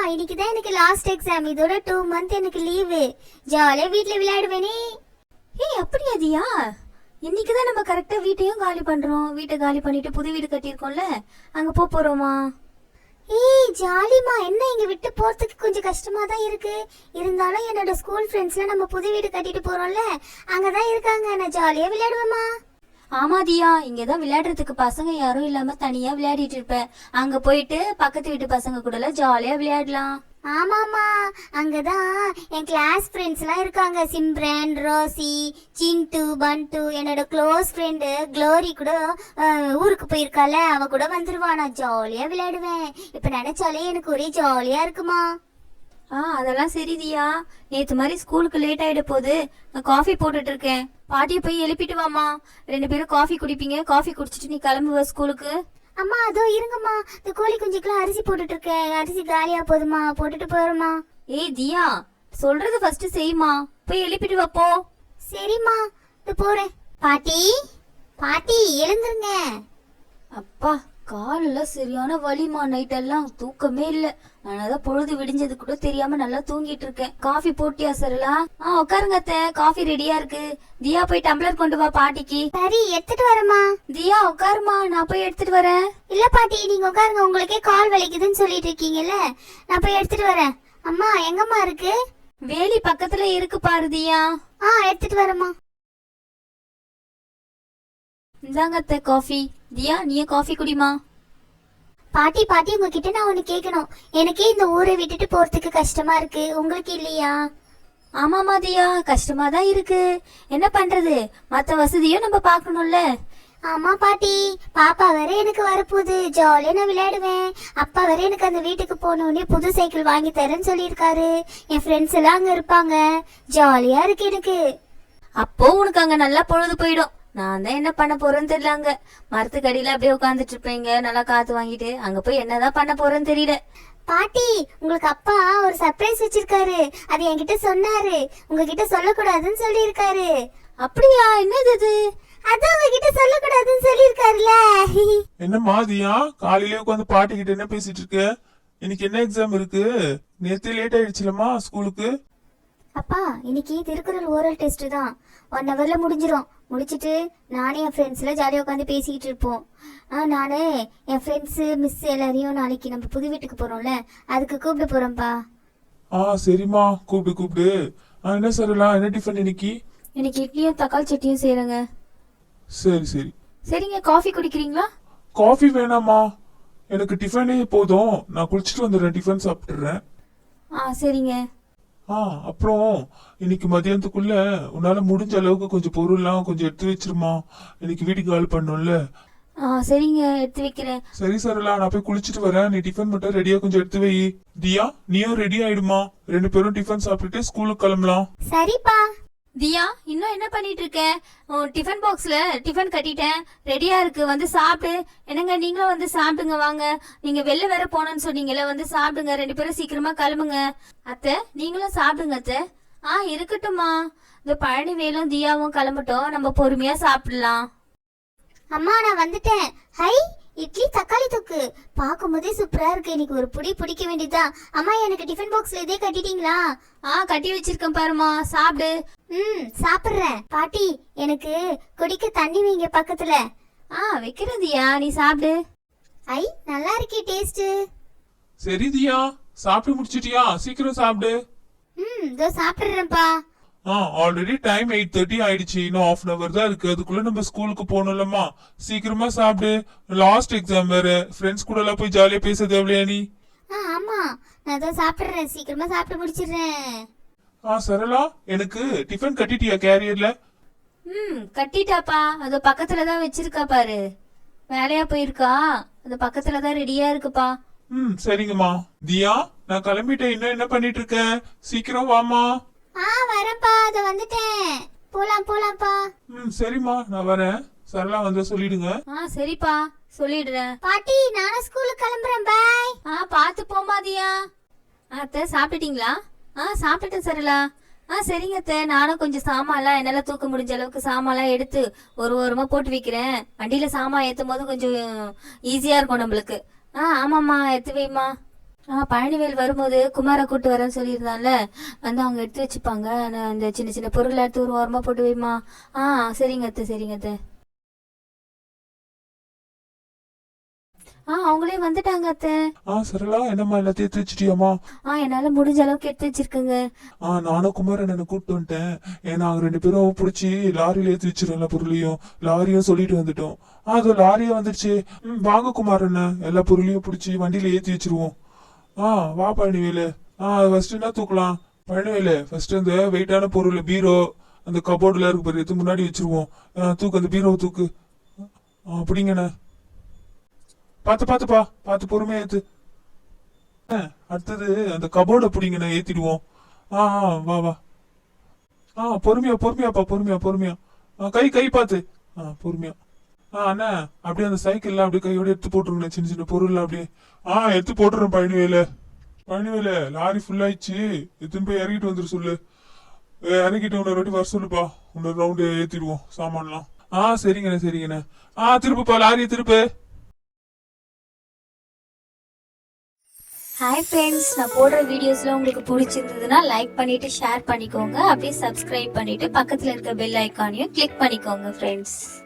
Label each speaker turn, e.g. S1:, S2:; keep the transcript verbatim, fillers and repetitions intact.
S1: இன்னைக்கு தான் எனக்கு லாஸ்ட் எக்ஸாம். இதோட டூ மந்த் எனக்கு லீவு. ஜாலியா வீட்ல விளையாடுவேனே.
S2: ஏய் அப்படியா தியா? இன்னைக்கு தான் நம்ம கரெக்டா வீட்டையும் காலி பண்றோம். வீட்டை காலி பண்ணிட்டு புது வீடு கட்டியிருக்கோம்ல, அங்க போக போறோமா?
S1: ஏய் ஜாலிமா, என்ன இங்க விட்டு போறதுக்கு கொஞ்சம் கஷ்டமா தான் இருக்கு. இருந்தாலும் என்னோட ஸ்கூல் ஃப்ரெண்ட்ஸ்லாம் நம்ம புது வீடு கட்டிட்டு போறோம்ல, அங்கதான் இருக்காங்க. நான் ஜாலியா விளையாடுவேமா.
S2: ஆமா தியா, இங்கதான் விளையாடுறதுக்கு பசங்க யாரும் இல்லாம தனியா விளையாடிட்டு இருப்பேன். அங்க போயிட்டு பக்கத்து வீட்டு பசங்க கூட எல்லாம் ஜாலியா விளையாடலாம்.
S1: ஆமாமா, அங்கதான் என் கிளாஸ் ஃப்ரெண்ட்ஸ் எல்லாம் இருக்காங்க. சிம்ரன், ரோசி, சிண்டு, பண்டு, என்னோட க்ளோஸ் ஃப்ரெண்டு க்ளோரி கூட ஊருக்கு போயிருக்கால, அவ கூட வந்துருவா. நான் ஜாலியா விளையாடுவேன். இப்ப நினைச்சாலே எனக்கு ஒரே ஜாலியா இருக்குமா.
S2: ஆ அதெல்லாம் சரி தியா. நேத்து மாதிரி ஸ்கூலுக்கு லேட் ஆயிட போது நான் காஃபி போட்டுட்டு இருக்கேன். பாட்டியை போய் எழுப்பிட்டு வாமா. ரெண்டு பேரும் காஃபி குடிப்பீங்க. காஃபி குடிச்சிட்டு நீ கிளம்புவ ஸ்கூலுக்கு.
S1: அம்மா அதோ இருங்கம்மா, இந்த கோழி குஞ்சுக்கெல்லாம் அரிசி போட்டுட்டு இருக்கேன். அரிசி காலியா போதுமா, போட்டுட்டு போறோமா.
S2: ஏய் தியா, சொல்றது ஃபர்ஸ்ட் செய்யுமா. போய் எழுப்பிட்டு வாப்போ.
S1: சரிம்மா, இது போறேன். பாட்டி பாட்டி எழுந்துருங்க.
S2: அப்பா காலெல்லாம் சரியான வலிமா. நைட் எல்லாம் தூக்கமே இல்ல. நானதான் பொழுது விடிஞ்சது கூட தெரியாம நல்லா தூங்கிட்டு இருக்கேன். காஃபி போட்டியா சரலா? ஆ உட்காருங்க அத்தை, காஃபி ரெடியா இருக்கு. தியா போய் டம்ளர் கொண்டு வா பாட்டிக்கு.
S1: சரி எடுத்துட்டு வரமா.
S2: தியா உட்காருமா, நான் போய் எடுத்துட்டு வரேன்.
S1: இல்ல பாட்டி நீங்க உட்காருங்க, உங்களுக்கே கால் வலிக்குதுன்னு சொல்லிட்டு இருக்கீங்கல்ல, நான் போய் எடுத்துட்டு வரேன். அம்மா எங்கம்மா இருக்கு?
S2: வேலி பக்கத்துல இருக்கு பாரு தியா.
S1: ஆ எடுத்துட்டு வரமா.
S2: இந்தாங்க அத்தை காஃபி. தியா நீயே காஃபி குடிமா.
S1: பாட்டி பாட்டி உங்ககிட்ட நான் ஒண்ணு கேட்கணும். எனக்கே இந்த ஊரை விட்டுட்டு போறதுக்கு கஷ்டமா இருக்கு, உங்களுக்கு இல்லையா?
S2: ஆமாமா தியா, கஷ்டமா தான் இருக்கு. என்ன பண்றது, மத்த வசதியும் நம்ம பாக்கணும்ல.
S1: ஆமா பாட்டி, பாப்பா வேற எனக்கு வரப்போகுது. ஜாலியா நான் விளையாடுவேன். அப்பா வேற எனக்கு அந்த வீட்டுக்கு போனோடனே புது சைக்கிள் வாங்கி தரேன்னு சொல்லியிருக்காரு. என் ஃப்ரெண்ட்ஸ் எல்லாம் அங்க இருப்பாங்க. ஜாலியா இருக்கு எனக்கு.
S2: அப்போ உனக்கு அங்க நல்லா பொழுது போயிடும். நான் தான் என்ன பண்ண போறேன்னு தெரியல. அங்க மரத்துக்கு அடியில அப்படியே உட்காந்துட்டு இருப்பீங்க, நல்லா காத்து வாங்கிட்டு. அங்க போய் என்னதான் பண்ண போறேன்னு தெரியல.
S1: பாட்டி உங்களுக்கு அப்பா ஒரு சர்ப்ரைஸ் வச்சிருக்காரு. அது என்கிட்ட சொன்னாரு. உங்ககிட்ட சொல்லக்கூடாதுன்னு சொல்லி இருக்காரு.
S2: அப்படியா? என்னது அது?
S1: அதான் உங்ககிட்ட சொல்லக்கூடாதுன்னு சொல்லி இருக்காருல.
S3: என்ன மாதியா காலையிலே உட்காந்து பாட்டி கிட்ட என்ன பேசிட்டு இருக்க? இன்னைக்கு என்ன எக்ஸாம் இருக்கு? நேத்து லேட் ஆயிடுச்சுலமா ஸ்கூலுக்கு.
S1: அப்பா இன்னைக்கு திருக்குறள் ஓரல் டெஸ்ட் தான். ஒன் ஹவர்ல முடிஞ்சிடும். முடிச்சிட்டு நானே என் ஃப்ரெண்ட்ஸ்ல ஜாலியாக உட்காந்து பேசிக்கிட்டு இருப்போம். ஆ நானே என் ஃப்ரெண்ட்ஸு மிஸ் எல்லாரையும் நாளைக்கு நம்ம புது வீட்டுக்கு போறோம்ல, அதுக்கு கூப்பிட்டு போறோம்ப்பா.
S3: ஆ சரிம்மா, கூப்பிடு கூப்பிடு. ஆ என்ன சொல்லலாம், என்ன டிஃபன் இன்னைக்கு?
S2: இன்னைக்கு இட்லியும் தக்காளி சட்னியும் செய்யறேங்க.
S3: சரி சரி.
S2: சரிங்க, காஃபி குடிக்கிறீங்களா?
S3: காஃபி வேணாமா, எனக்கு டிஃபனே போதும். நான் குளிச்சுட்டு வந்துடுறேன், டிஃபன் சாப்பிட்டுறேன்.
S2: ஆ சரிங்க.
S3: ஆ அப்புறம் இன்னைக்கு மதியானத்துக்குள்ள உன்னால முடிஞ்ச அளவுக்கு கொஞ்சம் பொருள்லாம் கொஞ்சம் எடுத்து வச்சிருமா. இன்னைக்கு வீட்டுக்கு கால் பண்ணும்ல.
S2: ஆ சரிங்க, எடுத்து வைக்கிறேன்.
S3: சரி சரலா, நான் போய் குளிச்சுட்டு வரேன். நீ டிஃபன் மட்டும் ரெடியா கொஞ்சம் எடுத்து வை. தியா நீயும் ரெடி ஆயிடுமா. ரெண்டு பேரும் டிஃபன் சாப்பிட்டுட்டு ஸ்கூலுக்கு கிளம்பலாம்.
S1: சரிப்பா.
S2: தியா இன்னும் என்ன பண்ணிட்டு இருக்க? டிஃபன் பாக்ஸ்ல டிஃபன் கட்டிட்டேன், ரெடியா இருக்கு, வந்து சாப்பிடு. என்னங்க நீங்களும் வந்து சாப்பிடுங்க வாங்க. நீங்க வெளில வேற போனோன்னு சொன்னீங்கல்ல, வந்து சாப்பிடுங்க. ரெண்டு பேரும் சீக்கிரமா கிளம்புங்க. அத்தை நீங்களும் சாப்பிடுங்க அத்தை. ஆ இருக்கட்டும்மா. இந்த பழனி வேலும் தியாவும் கிளம்பட்டும், நம்ம பொறுமையா சாப்பிடலாம்.
S1: அம்மா நான் வந்துட்டேன். ஹை இட்லி தக்காளி தொக்கு பார்க்கும் போதே சூப்பரா இருக்கு. இன்னைக்கு ஒரு புடி பிடிக்க வேண்டியதுதான். அம்மா எனக்கு டிஃபன் பாக்ஸ்ல இதே கட்டிட்டீங்களா?
S2: ஆ கட்டி வச்சிருக்கேன் பாருமா, சாப்பிடு.
S1: ம் சாப்பிடுறேன். பாட்டி எனக்கு குடிக்க தண்ணி வைங்க பக்கத்துல.
S2: ஆ வைக்கிறேன் தியா, நீ சாப்பிடு.
S1: ஐ நல்லா இருக்கே டேஸ்ட்.
S3: சரி தியா, சாப்பிட்டு முடிச்சிட்டியா? சீக்கிரம் சாப்பிடு.
S1: ம் இதோ சாப்பிடுறேன்ப்பா.
S3: ஆ ஆல்ரெடி டைம் எயிட் தேர்ட்டி ஆயிடுச்சு. இன்னும் ஹாஃப் அன் அவர் தான் இருக்கு. அதுக்குள்ள நம்ம ஸ்கூலுக்கு போகணும்லம்மா. சீக்கிரமா சாப்பிடு. லாஸ்ட் எக்ஸாம் வேற. ஃப்ரெண்ட்ஸ் கூட எல்லாம் போய் ஜாலியா பேச தேவையா நீ?
S1: ஆ ஆமா நான் இதோ சாப்பிடுறேன். சீக்கிரமா சாப்பிட்டு முடிச்சிடுறேன்.
S3: ஆ சரளா, எனக்கு டிஃபன் கட்டிட்டியா கேரியர்ல?
S2: ம் கட்டிட்டாப்பா. அது பக்கத்துல தான் வச்சிருக்கா பாரு. வேலையா போயிருக்கா, அது பக்கத்துல தான் ரெடியா இருக்குப்பா.
S3: ம் சரிங்கம்மா. தியா நான் கிளம்பிட்டேன். இன்னும் என்ன பண்ணிட்டு இருக்க? சீக்கிரம் வாமா.
S1: ஆ வரேன்ப்பா, அதோ வந்துட்டேன். போலாம் போலாம்ப்பா.
S3: ம் சரிம்மா, நான் வரேன். சரளா வந்தா சொல்லிடுங்க.
S2: ஆ சரிப்பா, சொல்லிடுறேன்.
S1: பாட்டி நானும் ஸ்கூலுக்கு கிளம்புறேன். பாய்.
S2: ஆ பார்த்து போமாதியா. அத்தை சாப்பிட்டுட்டீங்களா? ஆ சாப்பிட்டுட்டேன் சரலா. ஆ சரிங்க அத்தை, நானும் கொஞ்சம் சாமான்லாம் என்னால் தூக்க முடிஞ்ச அளவுக்கு சாமான்லாம் எடுத்து ஒரு ஓரமாக போட்டு வைக்கிறேன். வண்டியில் சாமான் ஏற்றும் போது கொஞ்சம் ஈஸியாக இருக்கும் நம்மளுக்கு. ஆ ஆமாம்மா, எடுத்து வைம்மா. ஆ பழனிவேல் வரும்போது குமாரை கூட்டு வரேன்னு சொல்லியிருந்தான்ல, வந்து அவங்க எடுத்து வச்சுப்பாங்க. நான் அந்த சின்ன சின்ன பொருள் எடுத்து ஒரு ஓரமாக போட்டு வைமா. ஆ சரிங்க அத்தை, சரிங்க அத்தை. ஆ அவங்களே வந்துட்டாங்க அத்தை.
S3: ஆ சரளா, என்னம்மா எல்லாத்தையும் எடுத்து வச்சிட்டியாமா?
S2: ஆ என்னால முடிஞ்ச அளவுக்கு எடுத்து வச்சிருக்கேங்க.
S3: ஆ நானும் குமாரன் என்ன கூப்பிட்டு வந்துட்டேன். ஏன்னா அவங்க ரெண்டு பேரும் பிடிச்சி லாரியில ஏற்றி வச்சிடல பொருளையும், லாரியும் சொல்லிட்டு வந்துட்டோம். ஆ அது லாரியே வந்துருச்சு. ம் வாங்க குமாரண்ண, எல்லா பொருளையும் பிடிச்சி வண்டியில ஏற்றி வச்சிருவோம். ஆ வா பழனிவேலு. ஆ ஃபர்ஸ்ட் என்ன தூக்கலாம்? பழனிவேலு ஃபர்ஸ்ட் அந்த வெயிட்டான பொருள் பீரோ அந்த கபோர்டுல இருக்கு பாரு, எடுத்து முன்னாடி வச்சிருவோம். ஆ, தூக்கு அந்த பீரோவை தூக்கு. ஆ, அப்படிங்கண்ணே. பார்த்து பார்த்துப்பா, பார்த்து பொறுமையா ஏத்து. ஆ, அடுத்தது அந்த கபோர்டை பிடிங்கண்ணே, ஏத்திடுவோம். ஆ ஆ, வா வா. ஆ பொறுமையா பொறுமையாப்பா, பொறுமையா பொறுமையா. ஆ, கை கை பார்த்து. ஆ பொறுமையா. ஆ அண்ணா, அப்படியே அந்த சைக்கிள்ல அப்படியே கையோட எடுத்து போட்டுருங்க, சின்ன சின்ன பொருள் அப்படியே. ஆ எடுத்து போட்டுறேன் பழனிவேலு. பழனிவேலு லாரி ஃபுல் ஆயிடுச்சு, எடுத்துன்னு போய் இறங்கிட்டு வந்துரு சொல்லு. ஏ, இறங்கிட்டு இன்னொரு வாட்டி வர சொல்லுப்பா, இன்னொரு ரவுண்டு ஏத்திடுவோம் சாமான்லாம். ஆ சரிங்கண்ணே சரிங்கண்ணே. ஆ திருப்புப்பா, லாரியை திருப்பு.
S2: ஹாய் ஃப்ரெண்ட்ஸ், நான் போடுற வீடியோஸ்லாம் உங்களுக்கு பிடிச்சிருந்ததுன்னா லைக் பண்ணிட்டு ஷேர் பண்ணிக்கோங்க. அப்படியே சப்ஸ்கிரைப் பண்ணிட்டு பக்கத்தில் இருக்க பெல் ஐக்கானையும் கிளிக் பண்ணிக்கோங்க ஃப்ரெண்ட்ஸ்.